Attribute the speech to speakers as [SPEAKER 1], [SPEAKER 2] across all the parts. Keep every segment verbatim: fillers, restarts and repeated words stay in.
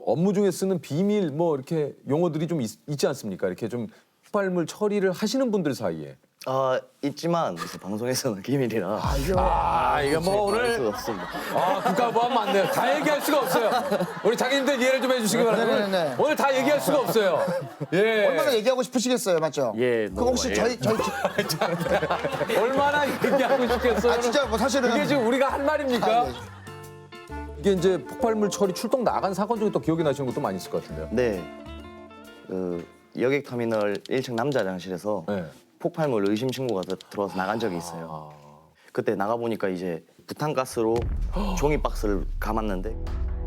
[SPEAKER 1] 업무 중에 쓰는 비밀 뭐 이렇게 용어들이 좀 있, 있지 않습니까? 이렇게 좀 폭발물 처리를 하시는 분들 사이에.
[SPEAKER 2] 아 있지만 이제 방송에서는 기밀이라
[SPEAKER 3] 아, 이거
[SPEAKER 1] 아, 이게 뭐
[SPEAKER 2] 알
[SPEAKER 1] 오늘
[SPEAKER 2] 수가 없습니다.
[SPEAKER 1] 아, 국가보안 맞네요. 다 얘기할 수가 없어요. 우리 자기님들 이해를 좀 해주시기 바랍니다.
[SPEAKER 3] 네네네.
[SPEAKER 1] 오늘, 오늘 다 얘기할 수가 없어요. 예.
[SPEAKER 3] 얼마나 얘기하고 싶으시겠어요, 맞죠?
[SPEAKER 2] 예,
[SPEAKER 3] 그거
[SPEAKER 2] 너무,
[SPEAKER 3] 혹시
[SPEAKER 2] 예.
[SPEAKER 3] 저희 저희
[SPEAKER 1] 얼마나 얘기하고 싶겠어요.
[SPEAKER 3] 아 진짜 뭐 사실은
[SPEAKER 1] 이게 지금 우리가 할 말입니까?
[SPEAKER 3] 아, 네.
[SPEAKER 1] 이게 이제 폭발물 처리 출동 나간 사건 중에 또 기억이 나시는 것도 많이 있을 것 같은데요.
[SPEAKER 2] 네, 그 여객터미널 일 층 남자 화장실에서
[SPEAKER 1] 네.
[SPEAKER 2] 폭발물 의심 신고가 들- 들어와서 나간 적이 있어요. 그때 나가 보니까 이제 부탄가스로 종이 박스를 감았는데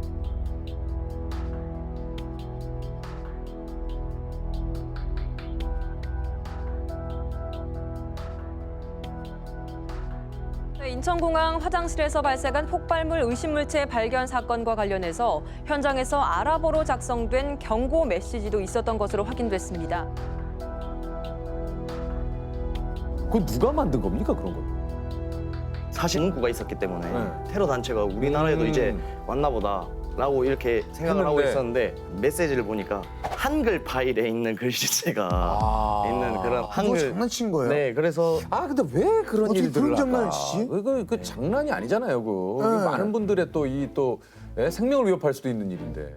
[SPEAKER 4] 네, 인천공항 화장실에서 발생한 폭발물 의심물체 발견 사건과 관련해서 현장에서 알아보로 작성된 경고 메시지도 있었던 것으로 확인됐습니다.
[SPEAKER 1] 그거 누가 만든 겁니까, 그런 거?
[SPEAKER 2] 사실 문구가 있었기 때문에
[SPEAKER 1] 네.
[SPEAKER 2] 테러 단체가 우리나라에도
[SPEAKER 1] 음.
[SPEAKER 2] 이제 왔나 보다라고 이렇게 생각을 하고
[SPEAKER 1] 했는데.
[SPEAKER 2] 있었는데 메시지를 보니까 한글 파일에 있는 글씨체가
[SPEAKER 1] 아.
[SPEAKER 2] 있는 그런
[SPEAKER 3] 그거
[SPEAKER 2] 한글
[SPEAKER 3] 장난친 거예요?
[SPEAKER 2] 네, 그래서
[SPEAKER 1] 아, 근데 왜 그런
[SPEAKER 3] 어떻게
[SPEAKER 1] 일들을
[SPEAKER 3] 그런 장난을
[SPEAKER 1] 할까?
[SPEAKER 3] 치지?
[SPEAKER 1] 그거 그 장난이 아니잖아요, 그거.
[SPEAKER 3] 네.
[SPEAKER 1] 많은 분들의 또 이 또 생명을 위협할 수도 있는 일인데.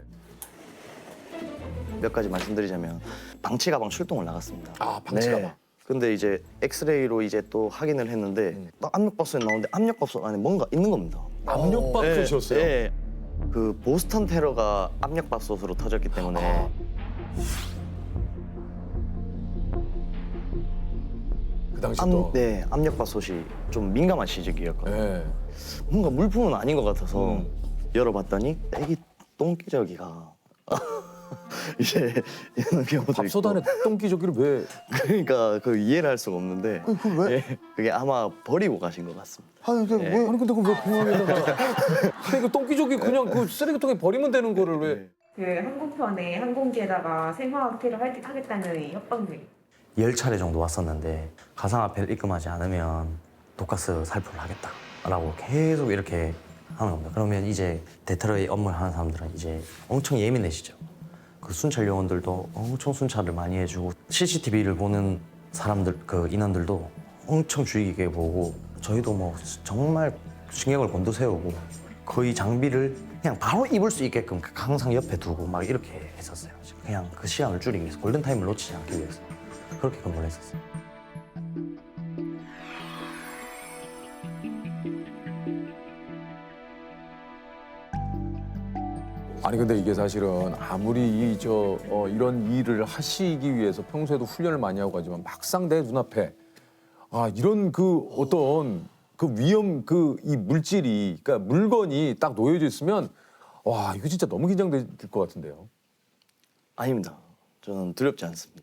[SPEAKER 2] 몇 가지 말씀드리자면 방치 가방 출동을 나갔습니다.
[SPEAKER 1] 아, 방치 가방.
[SPEAKER 2] 근데 이제 엑스레이로 이제 또 확인을 했는데
[SPEAKER 1] 음.
[SPEAKER 2] 딱 압력밥솥에 나오는데 압력밥솥 안에 뭔가 있는 겁니다.
[SPEAKER 1] 압력밥솥이었어요.
[SPEAKER 2] 네, 네. 그 보스턴 테러가 압력밥솥으로 터졌기 때문에
[SPEAKER 1] 아. 그 당시 또.
[SPEAKER 2] 압, 네, 압력밥솥이 좀 민감한 시즌이었거든요.
[SPEAKER 1] 네.
[SPEAKER 2] 뭔가 물품은 아닌 것 같아서
[SPEAKER 1] 음.
[SPEAKER 2] 열어봤더니 애기 똥기저귀가 이제 이런 경우도
[SPEAKER 1] 밥솥
[SPEAKER 2] 있고.
[SPEAKER 1] 안에 똥기저귀를 왜?
[SPEAKER 2] 그러니까 그 이해를 할 수가 없는데
[SPEAKER 3] 그, 그 왜?
[SPEAKER 2] 예, 그게 아마 버리고 가신 것 같습니다.
[SPEAKER 3] 아니 근데
[SPEAKER 2] 네.
[SPEAKER 3] 왜?
[SPEAKER 1] 아니 근데 그왜 공항에다가? 근데 그 똥기저귀 그냥 그 쓰레기통에 버리면 되는 거를 왜?
[SPEAKER 2] 네.
[SPEAKER 5] 그 항공편에 항공기에다가 생화학 테러 할- 하겠다는 협박을
[SPEAKER 6] 열 차례 정도 왔었는데 가상화폐를 입금하지 않으면 독가스 살포를 하겠다라고 계속 이렇게 하는 겁니다. 그러면 이제 대테러의 업무를 하는 사람들은 이제 엄청 예민해지죠. 그 순찰 요원들도 엄청 순찰을 많이 해주고 씨씨티비를 보는 사람들 그 인원들도 엄청 주의 깊게 보고 저희도 뭐 정말 신경을 곤두세우고 거의 장비를 그냥 바로 입을 수 있게끔 항상 옆에 두고 막 이렇게 했었어요. 그냥 그 시간을 줄이기 위해서 골든타임을 놓치지 않기 위해서 그렇게 근무를 했었어요.
[SPEAKER 1] 아니 근데 이게 사실은 아무리 이 저 어, 이런 일을 하시기 위해서 평소에도 훈련을 많이 하고 가지만 막상 내 눈앞에 아 이런 그 어떤 그 위험 그 이 물질이 그러니까 물건이 딱 놓여져 있으면 와 이거 진짜 너무 긴장될 것 같은데요.
[SPEAKER 2] 아닙니다. 저는 두렵지 않습니다.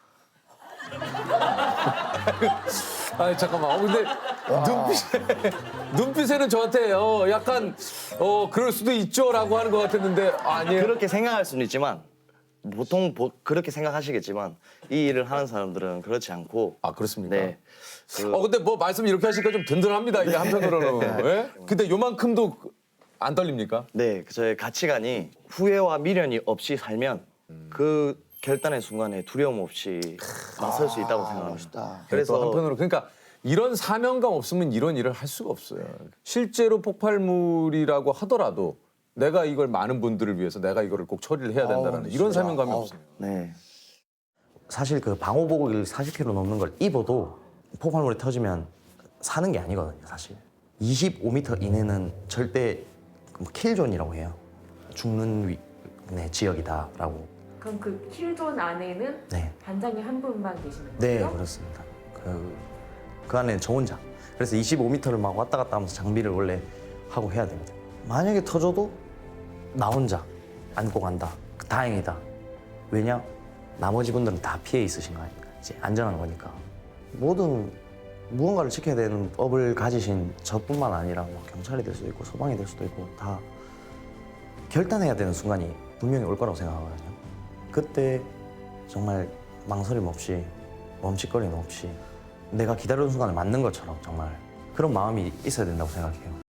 [SPEAKER 1] 아 잠깐만. 어, 근데 눈빛에 눈빛에는 저한테 어 약간 어 그럴 수도 있죠라고 하는 것 같았는데 아니에요.
[SPEAKER 2] 그렇게 생각할 수는 있지만 보통 보- 그렇게 생각하시겠지만 이 일을 하는 사람들은 그렇지 않고
[SPEAKER 1] 아 그렇습니까?
[SPEAKER 2] 네. 그,
[SPEAKER 1] 어 근데 뭐 말씀 이렇게 하시니까 좀 든든합니다. 이게 한편으로는. 예? 근데 요만큼도 안 떨립니까?
[SPEAKER 2] 네, 그 저의 가치관이 후회와 미련이 없이 살면 그 결단의 순간에 두려움 없이 나설 수 있다고 생각합니다.
[SPEAKER 3] 멋있다.
[SPEAKER 1] 그래서
[SPEAKER 2] 그래서
[SPEAKER 1] 한편으로 그러니까 이런 사명감 없으면 이런 일을 할 수가 없어요. 실제로 폭발물이라고 하더라도 내가 이걸 많은 분들을 위해서 내가 이거를 꼭 처리를 해야 된다는
[SPEAKER 3] 아우,
[SPEAKER 1] 이런
[SPEAKER 3] 진짜.
[SPEAKER 1] 사명감이
[SPEAKER 3] 아우.
[SPEAKER 1] 없어요.
[SPEAKER 2] 네.
[SPEAKER 6] 사실 그 방호복을 사십 킬로그램 넘는 걸 입어도 폭발물이 터지면 사는 게 아니거든요, 사실. 이십오 미터 이내는 절대 뭐 킬존이라고 해요. 죽는 위, 네, 지역이다라고.
[SPEAKER 5] 그럼 그 킬존 안에는
[SPEAKER 6] 네,
[SPEAKER 5] 반장님 한 분만 계시는
[SPEAKER 6] 네
[SPEAKER 5] 거예요?
[SPEAKER 6] 그렇습니다. 그, 그 안에는 저 혼자. 그래서 이십오 미터를 막 왔다 갔다 하면서 장비를 원래 하고 해야 됩니다. 만약에 터져도 나 혼자 안고 간다. 다행이다. 왜냐? 나머지 분들은 다 피해 있으신 거 아닙니까? 이제 안전한 거니까. 모든 무언가를 지켜야 되는 법을 가지신 저뿐만 아니라 뭐 경찰이 될 수도 있고 소방이 될 수도 있고 다 결단해야 되는 순간이 분명히 올 거라고 생각하거든요. 그때 정말 망설임 없이 멈칫거림 없이 내가 기다리는 순간을 맞는 것처럼 정말 그런 마음이 있어야 된다고 생각해요.